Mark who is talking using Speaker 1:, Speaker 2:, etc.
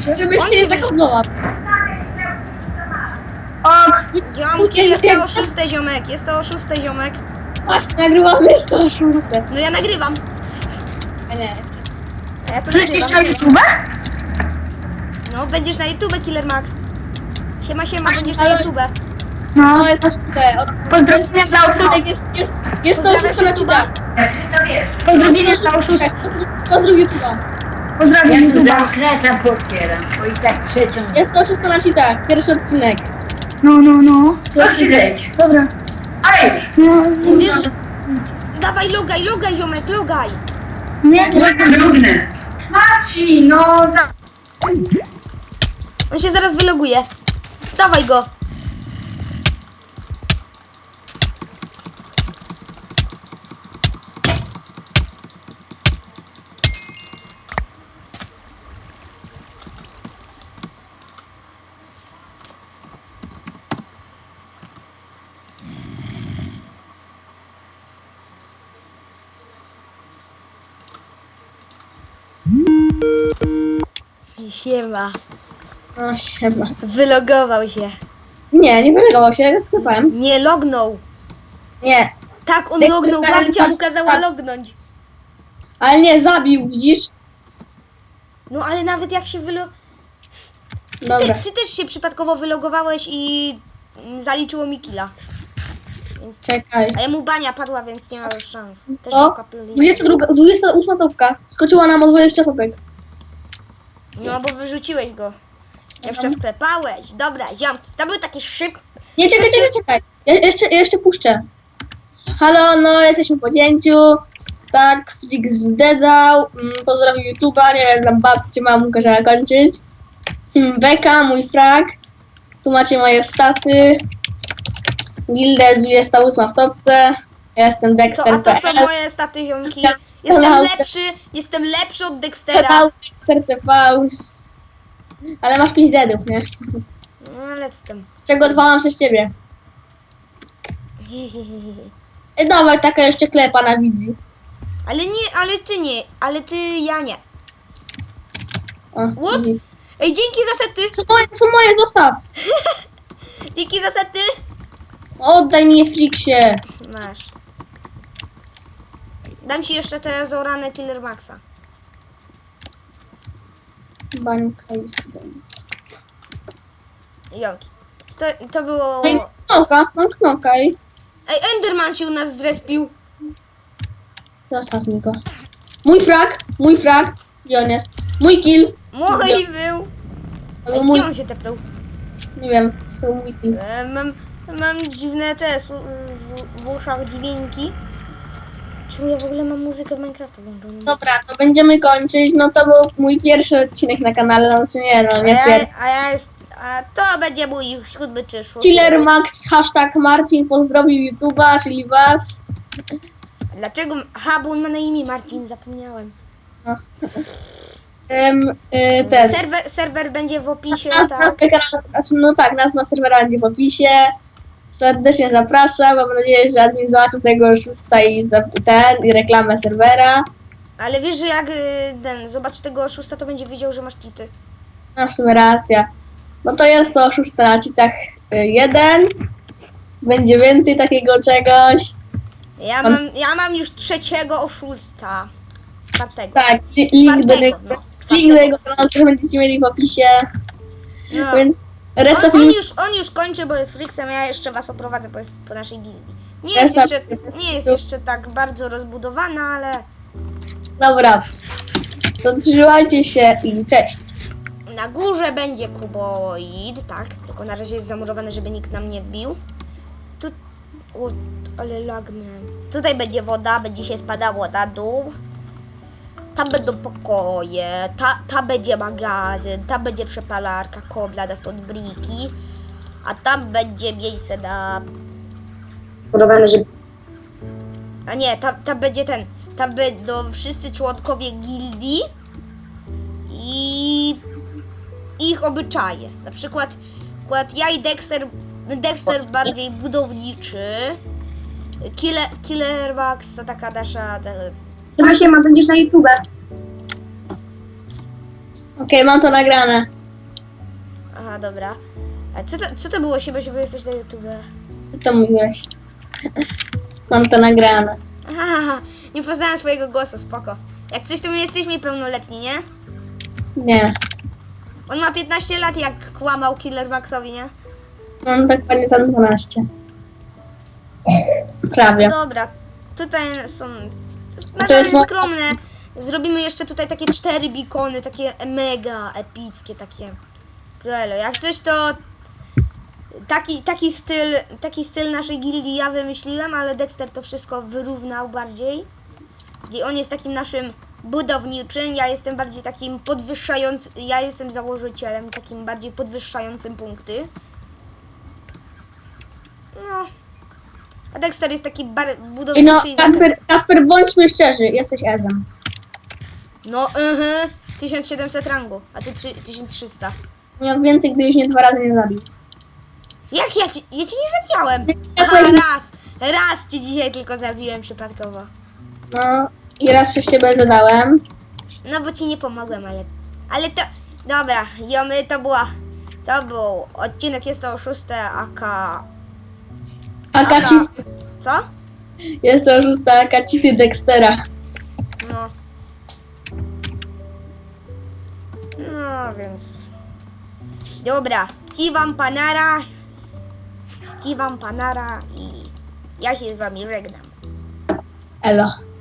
Speaker 1: Żebyś się nie zakodował.
Speaker 2: Ok.
Speaker 1: Póki
Speaker 3: Jest to o
Speaker 1: jest-
Speaker 3: 6, ziomek, jest to o 6, ziomek.
Speaker 1: Właśnie, nagrywamy 106.
Speaker 3: No ja nagrywam.
Speaker 1: A nie.
Speaker 3: A ja to
Speaker 2: Wrzucisz
Speaker 3: nagrywam.
Speaker 2: na YouTube?
Speaker 3: No, będziesz na YouTube, Killer Max. Siema, będziesz na
Speaker 1: ale-
Speaker 3: YouTube.
Speaker 2: No.
Speaker 1: No, jest na czte.
Speaker 2: Pozdrowienia dla oszustów.
Speaker 1: Jest to
Speaker 3: Pozdrawiam
Speaker 1: oszustwo na
Speaker 3: YouTube'a.
Speaker 1: czyta.
Speaker 2: Pozdrowienia dla oszustów.
Speaker 1: Pozdrów YouTube'a.
Speaker 2: Pozdrawiam
Speaker 4: Ja tu
Speaker 2: YouTube'a.
Speaker 4: zakręta potwieram, bo i tak przeciąg.
Speaker 1: Jest to oszustwo na czyta. Pierwszy odcinek.
Speaker 2: No.
Speaker 4: Proszę zejdź.
Speaker 2: Dobra.
Speaker 4: Ale
Speaker 2: No,
Speaker 3: Wiesz, dawaj, logaj, ziomek, logaj.
Speaker 2: nie.
Speaker 4: trudne.
Speaker 2: Marcin, no tak.
Speaker 3: On się zaraz wyloguje. Dawaj go. Siema.
Speaker 1: No, siema.
Speaker 3: Wylogował się.
Speaker 1: Nie wylegował się, ja go sklepałem.
Speaker 3: Nie lognął.
Speaker 1: Nie.
Speaker 3: Tak, on
Speaker 1: Tak,
Speaker 3: lognął,
Speaker 1: tak,
Speaker 3: babcia mu
Speaker 1: tak,
Speaker 3: kazała
Speaker 1: tak.
Speaker 3: lognąć.
Speaker 1: Ale nie, zabił, widzisz?
Speaker 3: No ale nawet jak się
Speaker 1: Dobra.
Speaker 3: Ty też się przypadkowo wylogowałeś i zaliczyło mi killa.
Speaker 1: Czekaj.
Speaker 3: A jemu bania padła, więc nie ma już szans. Też
Speaker 1: O,
Speaker 3: mam kapelusz.
Speaker 1: 28 topka. Skoczyła nam o 20 topek.
Speaker 3: No bo wyrzuciłeś go. Jeszcze sklepałeś. Dobra, ziomki, to był taki szyb.
Speaker 1: Nie, czekaj. Ja jeszcze puszczę. Halo, no jesteśmy po cięciu. Tak, Flix zdedał. Pozdrawiam YouTube'a, nie wiem, dla babci mamą kazała kończyć. Beka, mój frag. Tu macie moje staty. Gilda jest 28 w topce. Ja jestem
Speaker 3: A
Speaker 1: Dexter.
Speaker 3: to są moje staty, ziomki. Jestem lepszy od Dextera.
Speaker 1: Kanał Dexter TV. Ale masz 5 deadów, nie?
Speaker 3: No ale z tym.
Speaker 1: Czego 2 mam przez ciebie. Ej, dawaj, taka jeszcze klepa na wizji.
Speaker 3: Ale ty, ja nie.
Speaker 1: O,
Speaker 3: What?
Speaker 1: dzięki.
Speaker 3: Ej, dzięki za sety.
Speaker 1: Co moje, zostaw.
Speaker 3: Dzięki za sety.
Speaker 1: Oddaj mi je, Flixie.
Speaker 3: Masz. Dam ci jeszcze te zorane Killer Maxa.
Speaker 1: Bańka jest.
Speaker 3: Jonki. To było...
Speaker 1: Ej, mam knoka i
Speaker 3: Ej, Enderman się u nas zrespił.
Speaker 1: zostaw mi go. Mój frag. Gdzie on jest? Mój kill.
Speaker 3: Mój był.
Speaker 1: To był
Speaker 3: Ej,
Speaker 1: mój,
Speaker 3: gdzie on się tepnął?
Speaker 1: nie wiem, to był mój kill.
Speaker 3: Mam dziwne te w uszach dźwięki. Czemu ja w ogóle mam muzykę w Minecraftu włączoną?
Speaker 1: Dobra, to będziemy kończyć. No to był mój pierwszy odcinek na kanale, znaczy nie, no nie pierwszy.
Speaker 3: A to będzie mój 7 czy 6.
Speaker 1: Killer Max, hashtag Marcin pozdrowił YouTube'a, czyli was.
Speaker 3: Dlaczego? Aha, bo on ma na imię Marcin, zapomniałem.
Speaker 1: Ten.
Speaker 3: Serwer będzie w opisie, tak?
Speaker 1: Nazwa kanału, znaczy, no tak, nazwa serwera będzie w opisie. Serdecznie zapraszam. Mam nadzieję, że admin zobaczył tego oszusta i reklamę serwera.
Speaker 3: Ale wiesz, że jak zobacz tego oszusta, to będzie wiedział, że masz cheaty.
Speaker 1: No w sumie racja. No to jest to oszusta na cheatach 1. Będzie więcej takiego czegoś.
Speaker 3: Ja mam już 3 oszusta. 4.
Speaker 1: Tak, link do niego.
Speaker 3: no.
Speaker 1: Link do jego kanału też będziecie mieli w opisie.
Speaker 3: No.
Speaker 1: Więc reszta
Speaker 3: On
Speaker 1: filmu.
Speaker 3: już kończy, bo jest Flixem, ja jeszcze was oprowadzę po naszej gildii.
Speaker 1: Reszta-
Speaker 3: Nie jest jeszcze tak bardzo rozbudowana, ale
Speaker 1: Dobra. To trzymajcie się i cześć.
Speaker 3: na górze będzie kuboid, tak, tylko na razie jest zamurowane, żeby nikt nam nie wbił. Tu, o, ale lagman. Tutaj będzie woda, będzie się spadała na dół. Tam będą pokoje, ta będzie magazyn, tam będzie przepalarka, kobla, da stąd briki, a tam będzie miejsce na... A nie, tam będzie tam będą wszyscy członkowie gildii i ich obyczaje. Na przykład ja i Dexter bardziej budowniczy, Killer Max to taka nasza...
Speaker 2: Siema, będziesz na YouTube.
Speaker 1: Okej, mam to nagrane.
Speaker 3: Aha, dobra. A co to było się, bo jesteś na YouTube?
Speaker 1: Co to mówiłeś? Mam to nagrane.
Speaker 3: Aha, nie poznałem swojego głosu, spoko. Jak coś, to my jesteśmy pełnoletni, nie?
Speaker 1: Nie.
Speaker 3: On ma 15 lat, jak kłamał Killer Maxowi, nie?
Speaker 1: Mam dokładnie tam 12. Prawie.
Speaker 3: Dobra, tutaj są
Speaker 1: A to jest mo-
Speaker 3: skromne. Zrobimy jeszcze tutaj takie 4 bikony, takie mega epickie, takie krelo. Jak coś, to taki styl naszej gildii ja wymyśliłem, ale Dexter to wszystko wyrównał bardziej. I on jest takim naszym budowniczym, ja jestem bardziej takim podwyższającym, ja jestem założycielem, takim bardziej podwyższającym punkty. No. A Dexter jest taki
Speaker 1: I
Speaker 3: budowniczy
Speaker 1: no,
Speaker 3: i
Speaker 1: Kasper, bądźmy szczerzy, jesteś Ezem.
Speaker 3: No, 1700 rangu, a ty 1300.
Speaker 1: Miał więcej, gdybyś mnie 2 razy nie zabił.
Speaker 3: Jak ja cię nie zabijałem?
Speaker 1: Ja
Speaker 3: Aha,
Speaker 1: powiedziałem-
Speaker 3: raz cię dzisiaj tylko zabiłem przypadkowo.
Speaker 1: No, i raz przez ciebie zadałem.
Speaker 3: No bo ci nie pomogłem, ale to, dobra, jomy, to był odcinek, jest to 6 AK,
Speaker 1: Akaci,
Speaker 3: co?
Speaker 1: jest to 6 Akacity Dextera.
Speaker 3: No. No, więc... Dobra, kiwam panara i ja się z wami żegnam.
Speaker 1: Elo.